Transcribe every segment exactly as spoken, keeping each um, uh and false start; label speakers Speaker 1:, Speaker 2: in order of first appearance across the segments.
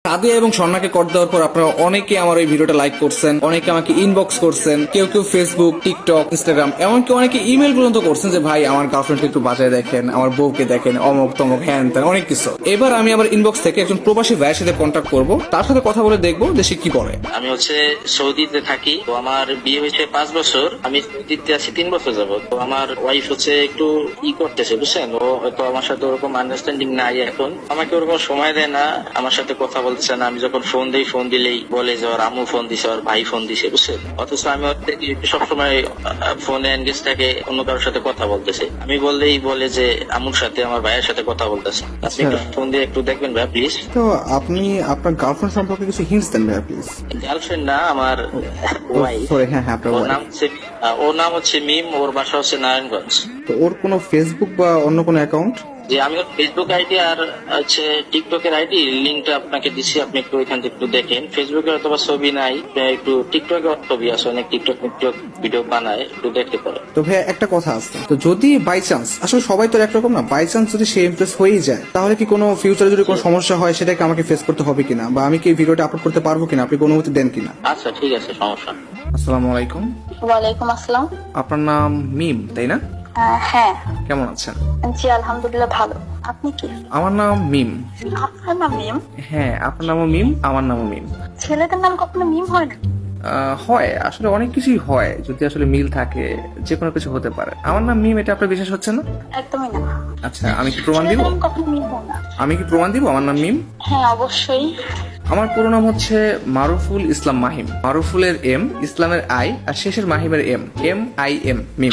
Speaker 1: সাদিয়া এবং স্বর্ণাকে কর দেওয়ার পর আপনারা অনেকে আমার এই ভিডিওটা লাইক করছেন, অনেকে আমাকে ইনবক্স করছেন, কেউ কেউ ফেসবুক, টিকটক, ইনস্টাগ্রাম, এমনকি অনেকে ইমেল পর্যন্ত করছেন যে ভাই আমার গার্লফ্রেন্ডকে একটু বাজায় দেখেন, আমার বউকে দেখেন, অমুক তমুক হ্যান ত্যান অনেক কিছু। এবার আমি আমার ইনবক্স থেকে একজন প্রবাসী ভাইয়ের সাথে কন্ট্যাক্ট করবো, তার সাথে কথা বলে দেখবো যে সে কি বলে।
Speaker 2: আমি হচ্ছে সৌদিতে থাকি, তো আমার বিয়ে হয়েছে পাঁচ বছর, আমি সৌদিতে আছি তিন বছর যাবত। তো আমার ওয়াইফ হচ্ছে একটু ই করতেছে বুঝছেন, ও হয়তো আমার সাথে ওরকম আন্ডারস্ট্যান্ডিং নাই এখন, আমাকে ওরকম সময় দেয় না, আমার সাথে কথা বলতেছে না। আমি যখন ফোন দিই, ফোন দিলেই বলে যে ওর আম্মু ফোন দিছে, ওর ভাই ফোন দিছে বুঝছেন। অথচ আমি ওর থেকে সবসময় ফোনে এনগেজ থাকে, অন্য কারোর সাথে কথা বলতেছে। আমি বললেই বলে যে আম্মুর সাথে আমার ভাইয়ের সাথে কথা বলতেছে। আপনি একটু ফোন দিয়ে একটু দেখবেন ভাই প্লিজ।
Speaker 1: তো আপনি আপনার গার্লফ্রেন্ড সম্পর্কে কিছু হিন্টস দেন ভাইয়া প্লিজ।
Speaker 2: গার্লফ্রেন্ড না, আমার ওয়াইফ।
Speaker 1: সরি, হ্যাঁ হ্যাঁ আপনার
Speaker 2: ওর
Speaker 1: wife।
Speaker 2: নাম হচ্ছে ওর নাম হচ্ছে মিম, ওর বাসা হচ্ছে নারায়ণগঞ্জ।
Speaker 1: তো ওর কোনো ফেসবুক বা অন্য কোনো অ্যাকাউন্ট?
Speaker 2: যে আমি ওর ফেসবুক আইডি আর হচ্ছে টিকটকের আইডি লিঙ্কটা আপনাকে দিচ্ছি, আপনি একটু ওইখান থেকে একটু দেখেন। ফেসবুকে অথবা ছবি নাই, একটু টিকটকে ছবি আছে, অনেক টিকটক টিকটক ভিডিও বানায়, একটু দেখতে পারে।
Speaker 1: তো ভাইয়া একটা কথা আছে, তো যদি বাই চান্স, আসলে সবাই তো একরকম না, বাই চান্স যদি সে ইমপ্রেস হয়েই যায়, তাহলে কি কোনো ফিউচারে যদি কোনো সমস্যা হয় সেটাকে আমাকে ফেস করতে হবে কিনা, বা আমি কি ভিডিওটা আপলোড করতে পারবো কিনা, আপনি কোনো অনুমতি দেন কিনা?
Speaker 2: আচ্ছা ঠিক আছে, সমস্যা নেই।
Speaker 1: আসসালামু আলাইকুম।
Speaker 3: ওয়ালাইকুম আসসালাম।
Speaker 1: আপনার নাম মিম তাই না?
Speaker 3: আহ, হ্যাঁ।
Speaker 1: কেমন আছেন?
Speaker 3: জি আলহামদুলিল্লাহ ভালো। আপনি কি?
Speaker 1: আমার নাম মিম।
Speaker 3: আপনার নাম মিম?
Speaker 1: হ্যাঁ, আপনার নামও মিম, আমার নামও মিম।
Speaker 3: ছেলেদের নাম কখনো মিম হয় না?
Speaker 1: আহ, হয়, আসলে অনেক কিছুই হয়, যদি আসলে মিল থাকে যে কোনো কিছু হতে পারে। আমার নাম মিম, এটা আপনার বিশ্বাস হচ্ছে না?
Speaker 3: একদমই না।
Speaker 1: আচ্ছা, আমি কি প্রমাণ দিব?
Speaker 3: ছেলেদের নাম কখনো মিম হয় না।
Speaker 1: আমি কি প্রমাণ দিব আমার নাম মিম?
Speaker 3: হ্যাঁ অবশ্যই।
Speaker 1: আমার পুরো নাম হচ্ছে মারুফুল ইসলাম মাহিম। মারুফুলের এম, ইসলামের আই, আর শেষের মাহিমের M, M I M, Mim.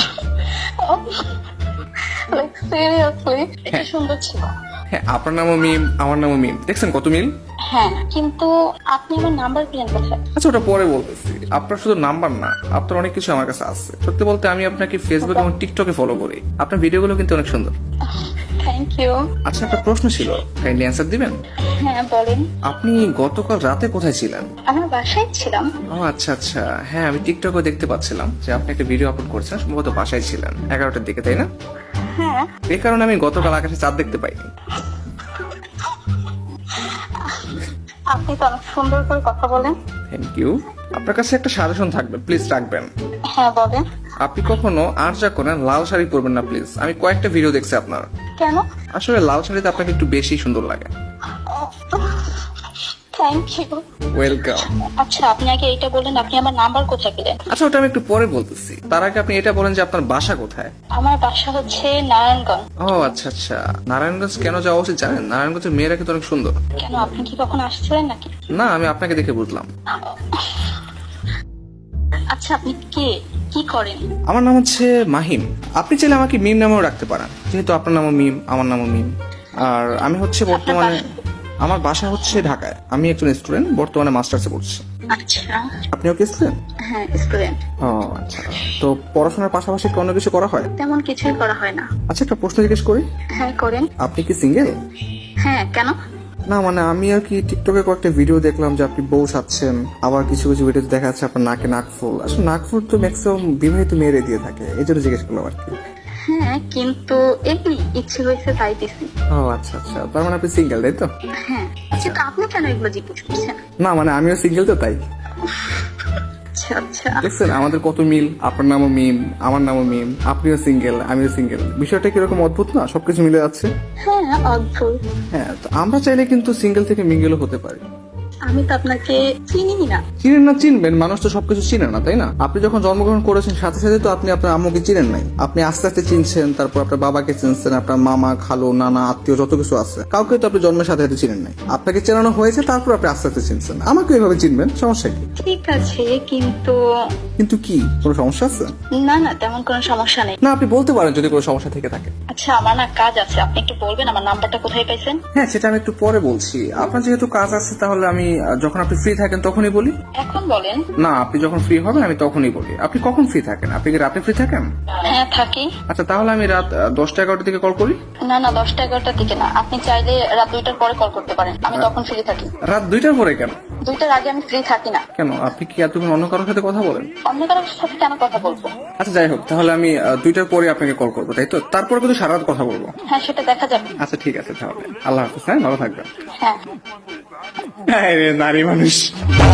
Speaker 3: Like seriously এটা সুন্দর ছিল।
Speaker 1: হ্যাঁ, আপনার নামও মিম, আমার নামও মিম, দেখছেন কত মিল।
Speaker 3: হ্যাঁ কিন্তু আপনি আমার নাম্বার পেলেন কোথায়?
Speaker 1: আচ্ছা, ওটা পরে বলতেছি। আপনার শুধু নাম্বার না, আপনার অনেক কিছু আমার কাছে আছে। সত্যি বলতে আমি আপনাকে ফেসবুক এবং টিকটকে ফলো করি। আপনার ভিডিওগুলো কিন্তু অনেক সুন্দর।
Speaker 3: Thank you.
Speaker 1: আচ্ছা, একটা প্রশ্ন ছিল, কাইন্ডলি অ্যান্সার দিবেন?
Speaker 3: হ্যাঁ বলেন।
Speaker 1: আপনি গতকাল রাতে কোথায় ছিলেন?
Speaker 3: আমার বাসায় ছিলাম।
Speaker 1: ও আচ্ছা আচ্ছা, হ্যাঁ আমি টিকটকে দেখতে পাচ্ছিলাম যে আপনি একটা ভিডিও আপলোড করছেন, সম্ভবত বাসায় ছিলেন এগারোটার দিকে, তাই না?
Speaker 3: হ্যাঁ।
Speaker 1: এই কারণে আমি গতকাল আকাশে চাঁদ দেখতে পাইনি।
Speaker 3: আপনি তো অনেক সুন্দর করে কথা বলেন।
Speaker 1: Thank you. আপনার কাছে একটা সাজেশন থাকবে, প্লিজ রাখবেন।
Speaker 3: হ্যাঁ বলেন।
Speaker 1: আপনি কখনো আর যা করেন লাল শাড়ি পরবেন না প্লিজ। আমি কয়েকটা ভিডিও দেখছি আপনার,
Speaker 3: কেন?
Speaker 1: আসলে লাল শাড়িতে আপনাকে একটু বেশি সুন্দর লাগে।
Speaker 3: Thank you.
Speaker 1: ওয়েলকাম।
Speaker 3: আচ্ছা আপনি আগে এইটা বলেন, আপনি আমার নাম্বার কোথায় পেলেন?
Speaker 1: আচ্ছা, ওটা আমি একটু পরে বলতেছি, তার আগে আপনি এটা বলেন যে আপনার বাসা কোথায়?
Speaker 3: আমার বাসা হচ্ছে নারায়ণগঞ্জ।
Speaker 1: ও আচ্ছা আচ্ছা, নারায়ণগঞ্জ কেন যাওয়া উচিত জানেন? নারায়ণগঞ্জের মেয়েরা কিন্তু অনেক সুন্দর।
Speaker 3: কেন, আপনি কি কখনো আসছিলেন নাকি?
Speaker 1: না, আমি আপনাকে দেখে বুঝলাম।
Speaker 3: আচ্ছা আপনি কে, কি করেন?
Speaker 1: আমার নাম হচ্ছে মাহিম। আপনি চাইলে আমাকে মিম নামেও রাখতে পারেন, যেহেতু আপনার নামও মিম, আমার নামও মিম। আর আমি হচ্ছে বর্তমানে, আমার বাসা হচ্ছে ঢাকায়। আমি একজন স্টুডেন্ট, বর্তমানে মাস্টার্সে পড়ছি।
Speaker 3: আচ্ছা।
Speaker 1: আপনিও কি স্টুডেন্ট?
Speaker 3: হ্যাঁ স্টুডেন্ট।
Speaker 1: ও আচ্ছা, তো পড়াশোনার পাশাপাশি কি অন্য কিছু করা হয়?
Speaker 3: তেমন কিছুই করা হয় না।
Speaker 1: আচ্ছা, একটা প্রশ্ন জিজ্ঞেস করি।
Speaker 3: হ্যাঁ করেন।
Speaker 1: আপনি কি সিঙ্গেল?
Speaker 3: হ্যাঁ কেন?
Speaker 1: না মানে আমি আর কি টিকটকে কয়েকটা ভিডিও দেখলাম যে আপনি বউ সাচ্ছেন, আবার কিছু কিছু ভিডিওতে দেখা যাচ্ছে আপনার নাকে নাকফুল। আসলে নাকফুল তো ম্যাক্সিমাম বিবাহিত মেয়েরে দিয়ে থাকে, এই জন্য জিজ্ঞেস করলাম আর কি।
Speaker 3: হ্যাঁ কিন্তু এমনি ইচ্ছে হয়েছে তাই দিছি।
Speaker 1: ও আচ্ছা আচ্ছা, তার মানে আপনি সিঙ্গেল তাই তো?
Speaker 3: হ্যাঁ কিন্তু আপনি কেন এগুলো জিজ্ঞেস করছেন?
Speaker 1: না মানে আমিও সিঙ্গেল তো তাই।
Speaker 3: আচ্ছা আচ্ছা।
Speaker 1: দেখছেন আমাদের কত মিল, আপনার নামও মিম, আমার নামও মিম, আপনিও সিঙ্গেল, আমিও সিঙ্গেল। বিষয়টা কিরকম অদ্ভুত না, সবকিছু মিলে যাচ্ছে।
Speaker 3: হ্যাঁ অদ্ভুত।
Speaker 1: হ্যাঁ, তো আমরা চাইলে কিন্তু সিঙ্গেল থেকে মিঙ্গেলও হতে পারি।
Speaker 3: আমি তো আপনাকে চিনি না।
Speaker 1: চিনেন না, চিনবেন, মানুষ তো সবকিছু চিনে না তাই না? আপনি যখন জন্মগ্রহণ করেছেন সাথে সাথে তো আপনি আপনার আম্মুকে চিনেন নাই, আপনি আস্তে আস্তে চিনছেন, তারপর আপনার বাবাকে চিনছেন, আপনার মামা খালু নানা আত্মীয় যত কিছু আছে, কাউকে তো আপনি জন্মের সাথে সাথে চিনেন নাই। আপনাকে চেনানো হয়েছে, তারপর আপনি আস্তে আস্তে চিনছেন। আমাকে এভাবে চিনবেন, সমস্যা কি?
Speaker 3: ঠিক আছে কিন্তু।
Speaker 1: কিন্তু কি, কোনো সমস্যা আছে?
Speaker 3: না না তেমন কোনো সমস্যা নেই।
Speaker 1: না, আপনি বলতে পারেন যদি কোনো সমস্যা থেকে থাকে।
Speaker 3: আচ্ছা আমার না কাজ আছে, আপনি একটু বলবেন আমার নাম্বারটা কোথায় পাইছেন?
Speaker 1: হ্যাঁ, সেটা আমি একটু পরে বলছি। আপনার যেহেতু কাজ আছে, তাহলে আমি আহ, যখন আপনি ফ্রি থাকেন তখনই বলি।
Speaker 3: এখন বলেন।
Speaker 1: না, আপনি যখন ফ্রি হবেন আমি তখনই বলি। আপনি কখন ফ্রি থাকেন? আপনি কি রাতে ফ্রি থাকেন?
Speaker 3: হ্যাঁ থাকি।
Speaker 1: আচ্ছা, তাহলে আমি রাত আহ, দশটা এগারোটার দিকে কল করি।
Speaker 3: না না দশটা এগারোটার দিকে না, আপনি চাইলে রাত দুইটার পরে কল করতে পারেন, আমি তখন ফ্রি থাকি।
Speaker 1: রাত দুইটার পরে কেন?
Speaker 3: দুইটার আগে আমি ফ্রি থাকি না।
Speaker 1: কেন, আপনি কি এতক্ষণ অন্য কারোর সাথে কথা বলেন?
Speaker 3: অন্য কারোর সাথে কেন কথা বলবো?
Speaker 1: আচ্ছা যাই হোক, তাহলে আমি আহ, দুইটার পরে আপনাকে কল করবো, তাই তো? তারপরে কিন্তু সারা রাত কথা বলবো।
Speaker 3: হ্যাঁ, সেটা দেখা যাবে।
Speaker 1: আচ্ছা ঠিক আছে, তাহলে আল্লাহ হাফিজ। হ্যাঁ, ভালো থাকবেন।
Speaker 3: হ্যাঁ।
Speaker 1: হ্যাঁ রে, নারী মানুষ।